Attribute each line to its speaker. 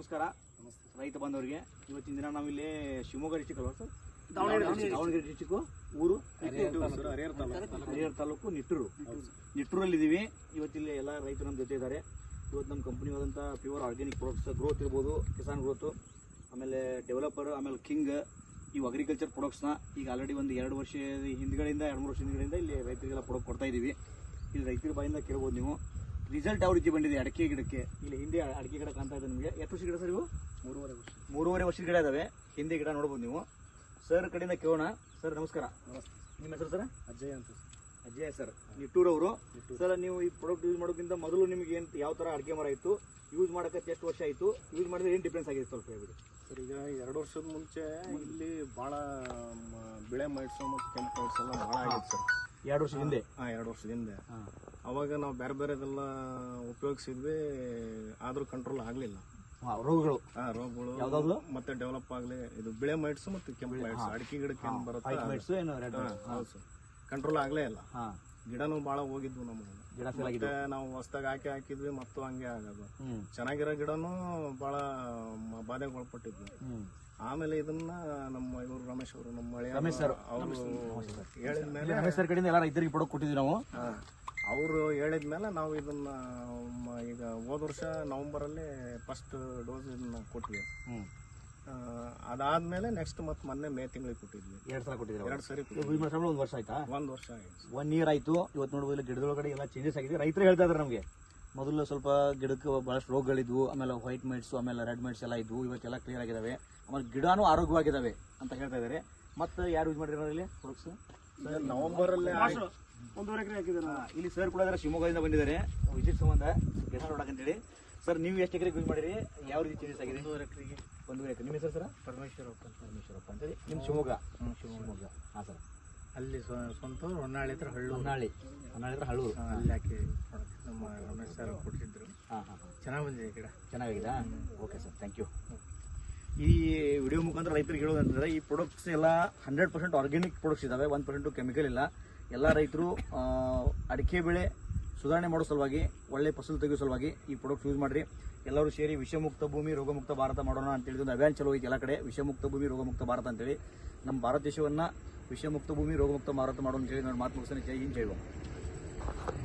Speaker 1: ನಮಸ್ಕಾರ ರೈತ ಬಾಂಧವರಿಗೆ. ಇವತ್ತಿನ ದಿನ ನಾವಿಲ್ಲಿ ಶಿವಮೊಗ್ಗ ಡಿಸ್ಟಿಕ್ ಅಲ್ವಾ ಸರ್? ದಾವಣಗೆರೆ ಡಿಸ್ಟಿಕ್ಕು, ಊರು ಹರಿಹರ ತಾಲೂಕು ನಿಟ್ಟೂರಲ್ಲಿದ್ದೀವಿ. ಇವತ್ತಿಲ್ಲಿ ಎಲ್ಲ ರೈತರು ನಮ್ಮ ಜೊತೆ ಇದ್ದಾರೆ. ಇವತ್ತು ನಮ್ಮ ಕಂಪ್ನಿಯಾದಂಥ ಪ್ಯೂರ್ ಆರ್ಗ್ಯಾನಿಕ್ ಪ್ರಾಡಕ್ಟ್ಸ್ ಗ್ರೋತ್ ಇರ್ಬೋದು, ಕಿಸಾನ್ ಗ್ರೋತು, ಆಮೇಲೆ ಡೆವಲಪರ್, ಆಮೇಲೆ ಕಿಂಗ್, ಇವು ಅಗ್ರಿಕಲ್ಚರ್ ಪ್ರಾಡಕ್ಟ್ಸ್ನ ಈಗ ಆಲ್ರೆಡಿ ಒಂದು 2 ವರ್ಷ ಹಿಂದ್ಗಡೆಯಿಂದ 2-3 ವರ್ಷ ಹಿಂದ್ಗಡೆಯಿಂದ ಇಲ್ಲಿ ರೈತರಿಗೆಲ್ಲ ಪ್ರಾಡಕ್ಟ್ ಕೊಡ್ತಾ ಇದ್ದೀವಿ. ಇಲ್ಲಿ ರೈತರ ಬಾಯಿಂದ ಕೇಳ್ಬೋದು ನೀವು ರಿಸಲ್ಟ್ ಯಾವ ರೀತಿ ಬಂದಿದೆ ಅಡಿಕೆ ಗಿಡಕ್ಕೆ. ಇಲ್ಲಿ ಹಿಂದೆ ಅಡಿಕೆ ಗಿಡ ಕಾಣ್ತಾ ಇದೆ ನಿಮಗೆ. ಎಷ್ಟು ವರ್ಷ ಗಿಡ ಸರ್ ಇವು? 3.5 ವರ್ಷದ ಗಿಡ ಇದಾವೆ. ಹಿಂದೆ ಗಿಡ ನೋಡ್ಬೋದು ನೀವು. ಸರ್ ಕಡೆಯಿಂದ ಕೇಳೋಣ. ಸರ್ ನಮಸ್ಕಾರ. ನಿಮ್ಮ ಹೆಸರು ಸರ್?
Speaker 2: ಅಜಯ್ ಅಂತ.
Speaker 1: ಅಜಯ್ ಸರ್, ನಿಟ್ಟೂರವರು. ಸರ್, ನೀವು ಈ ಪ್ರಾಡಕ್ಟ್ ಯೂಸ್ ಮಾಡೋಕ್ಕಿಂತ ಮೊದಲು ನಿಮಗೆ ಏನು ಯಾವ ಥರ ಅಡಿಕೆ ಮರ ಇತ್ತು, ಯೂಸ್ ಮಾಡೋಕ್ಕೆ ಎಷ್ಟು ವರ್ಷ ಆಯಿತು, ಯೂಸ್ ಮಾಡಿದ್ರೆ ಏನು ಡಿಫ್ರೆನ್ಸ್ ಆಗಿದೆ ಸ್ವಲ್ಪ ಹೇಳ್ಬಿಡಿ
Speaker 2: ಸರ್. ಈಗ 2 ವರ್ಷದ ಮುಂಚೆ ಇಲ್ಲಿ ಭಾಳ ಬೆಳೆ ಮೈಟ್ಸು ಮತ್ತು ಕೆಂಪು ಮೈಟ್ಸ್ ಎಲ್ಲ ಭಾಳ ಆಗಿತ್ತು ಸರ್.
Speaker 1: 2 ವರ್ಷದ ಹಿಂದೆ?
Speaker 2: 2 ವರ್ಷದ ಹಿಂದೆ. ಅವಾಗ ನಾವು ಬೇರೆದೆಲ್ಲ ಉಪಯೋಗಿಸಿದ್ವಿ, ಆದರೂ ಕಂಟ್ರೋಲ್ ಆಗಲಿಲ್ಲ
Speaker 1: ರೋಗಗಳು.
Speaker 2: ರೋಗಗಳು ಮತ್ತೆ ಡೆವಲಪ್ ಆಗಲಿ. ಇದು ಬೆಳೆ ಮೈಟ್ಸ್ ಮತ್ತು ಕೆಂಪು ಮೈಟ್ಸ್ ಅಡಿಕೆ ಗಿಡಕ್ಕೆ ಏನು ಬರುತ್ತೆ ಕಂಟ್ರೋಲ್ ಆಗಲೇ ಇಲ್ಲ. ಗಿಡನೂ ಭಾಳ ಹೋಗಿದ್ವು ನಮಗೆ. ಮತ್ತೆ ನಾವು ಹೊಸದಾಗಿ ಹಾಕಿದ್ವಿ ಮತ್ತು ಹಂಗೆ ಆಗೋದು. ಚೆನ್ನಾಗಿರೋ ಗಿಡನೂ ಭಾಳ ಬಾಧೆಗೆ ಒಳಪಟ್ಟಿದ್ವಿ. ಆಮೇಲೆ ಇದನ್ನ ನಮ್ಮ ಇವರು ರಮೇಶ್ ಅವರು, ನಮ್ಮ ಅವರು ಹೇಳಿದ್ಮೇಲೆ
Speaker 1: ರಮೇಶ್ ಸರ್ ಕಡೆಯಿಂದ ಎಲ್ಲ ರೈತರಿಗೆ ಪ್ರಾಡಕ್ಟ್ ಕೊಟ್ಟಿದ್ವಿ ನಾವು.
Speaker 2: ಅವರು ಹೇಳಿದ್ಮೇಲೆ ನಾವು ಇದನ್ನ ಈಗ ಹೋದ ವರ್ಷ ನವೆಂಬರಲ್ಲಿ ಫಸ್ಟ್ ಡೋಸ್ ಇದನ್ನ ಕೊಟ್ವಿ. ಅದಾದ್ಮೇಲೆ ನೆಕ್ಸ್ಟ್ ಮತ್ತೆ ಮೊನ್ನೆ ಮೇ ತಿಂಗಳಿಗೆ ಕೊಟ್ಟಿದ್ವಿ.
Speaker 1: 2 ಸಲ ಕೊಟ್ಟಿದ್ವಿ.
Speaker 2: 2 ಸರಿ
Speaker 1: 1 ವರ್ಷ ಆಯ್ತಾ?
Speaker 2: 1 ವರ್ಷ ಆಯ್ತು.
Speaker 1: 1 ಇಯರ್ ಆಯ್ತು. ಇವತ್ತು ನೋಡ್ಬೋದು ಗಿಡದೊಳಗಡೆ ಎಲ್ಲ ಚೇಂಜಸ್ ಆಗಿದೆ. ರೈತರು ಹೇಳ್ತಾ ಇದಾರೆ ನಮಗೆ, ಮೊದಲು ಸ್ವಲ್ಪ ಗಿಡಕ್ಕೆ ಬಹಳಷ್ಟು ರೋಗಗಳಿದ್ವು, ಆಮೇಲೆ ವೈಟ್ ಮೈಟ್ಸ್, ಆಮೇಲೆ ರೆಡ್ ಮೈಟ್ಸ್ ಎಲ್ಲ ಇದ್ವು. ಇವತ್ತೆಲ್ಲ ಕ್ಲಿಯರ್ ಆಗಿದಾವೆ, ಆಮೇಲೆ ಗಿಡನೂ ಆರೋಗ್ಯವಾಗಿದ್ದಾವೆ ಅಂತ ಹೇಳ್ತಾ ಇದ್ದಾರೆ. ಮತ್ತೆ ಯಾರು ಯೂಸ್ ಮಾಡಿರೋ ಇಲ್ಲಿ ಪ್ರಾಡಕ್ಟ್ಸ್?
Speaker 2: ನವೆಂಬರ್ ಅಲ್ಲಿ
Speaker 1: 1.5 ಎಕರೆ ಹಾಕಿದ್ದಾರೆ. ಇಲ್ಲಿ ಸರ್ ಕೂಡ ಶಿವಮೊಗ್ಗದಿಂದ ಬಂದಿದ್ದಾರೆ ವಿಸಿಟ್ ಸಂಬಂಧ ಕೆಲಸ ನೋಡಕ್ಕಂತೇಳಿ. ಸರ್, ನೀವು ಎಷ್ಟು ಎಕರೆಗೆ ಯೂಸ್ ಮಾಡಿರಿ, ಯಾವ ರೀತಿ ಚೇಂಜಸ್ ಆಗಿದೆ?
Speaker 2: 1.5 ಎಕರೆಗೆ.
Speaker 1: 1.5 ಎಕರೆ. ನಿಮ್ಮ ಹೆಸರು ಸರ್? ಪರಮೇಶ್ವರಪ್ಪ ಅಂತೇಳಿ. ನಿಮ್ಮ ಶಿವಮೊಗ್ಗ? ಹಾಂ ಸರ್.
Speaker 2: ಅಲ್ಲಿ ಸ್ವಂತ ಹೊನ್ನಾಳಿ ಹತ್ರ ಹಳ್ಳೂರು.
Speaker 1: ಹೊನ್ನಾಳಿ ಹತ್ರ ಹಳ್ಳೂರು.
Speaker 2: ಅಲ್ಲಿ ಹಾಕಿ ನಮ್ಮ ರಮೇಶ್ ಸರ್ ಕೊಟ್ಟಿದ್ರು.
Speaker 1: ಹಾಂ.
Speaker 2: ಚೆನ್ನಾಗಿ ಬಂದಿದೆ ಗಿಡ.
Speaker 1: ಚೆನ್ನಾಗಿದಾ? Okay sir, thank you. ಈ ವಿಡಿಯೋ ಮುಖಾಂತರ ರೈತರಿಗೆ ಹೇಳೋದಂತಂದರೆ, ಈ ಪ್ರಾಡಕ್ಟ್ಸ್ ಎಲ್ಲ 100% ಆರ್ಗ್ಯಾನಿಕ್ ಪ್ರಾಡಕ್ಟ್ಸ್ ಇದ್ದಾವೆ. 1% ಕೆಮಿಕಲ್ ಇಲ್ಲ. ಎಲ್ಲ ರೈತರು ಅಡಿಕೆ ಬೆಳೆ ಸುಧಾರಣೆ ಮಾಡೋ ಸಲುವಾಗಿ, ಒಳ್ಳೆ ಫಸಲು ತೆಗೆಯೋ ಸಲುವಾಗಿ ಈ ಪ್ರಾಡಕ್ಟ್ ಯೂಸ್ ಮಾಡಿರಿ. ಎಲ್ಲರೂ ಸೇರಿ ವಿಷಮುಕ್ತ ಭೂಮಿ ರೋಗಮುಕ್ತ ಭಾರತ ಮಾಡೋಣ ಅಂತೇಳಿ ಒಂದು ಅಭಿಯಾನ ಚಲೋ ಐತಿ ಎಲ್ಲ ಕಡೆ. ವಿಷಮುಕ್ತ ಭೂಮಿ ರೋಗಮುಕ್ತ ಭಾರತ ಅಂತೇಳಿ ನಮ್ಮ ಭಾರತ ದೇಶವನ್ನು ವಿಷಮುಕ್ತ ಭೂಮಿ ರೋಗಮುಕ್ತ ಭಾರತ ಮಾಡೋಣ ಅಂತೇಳಿ ನಾನು ಮಾತು ಮುಗಿಸ್ತಾನೆ. ಜೈ ಹಿಂದ್, ಜೈ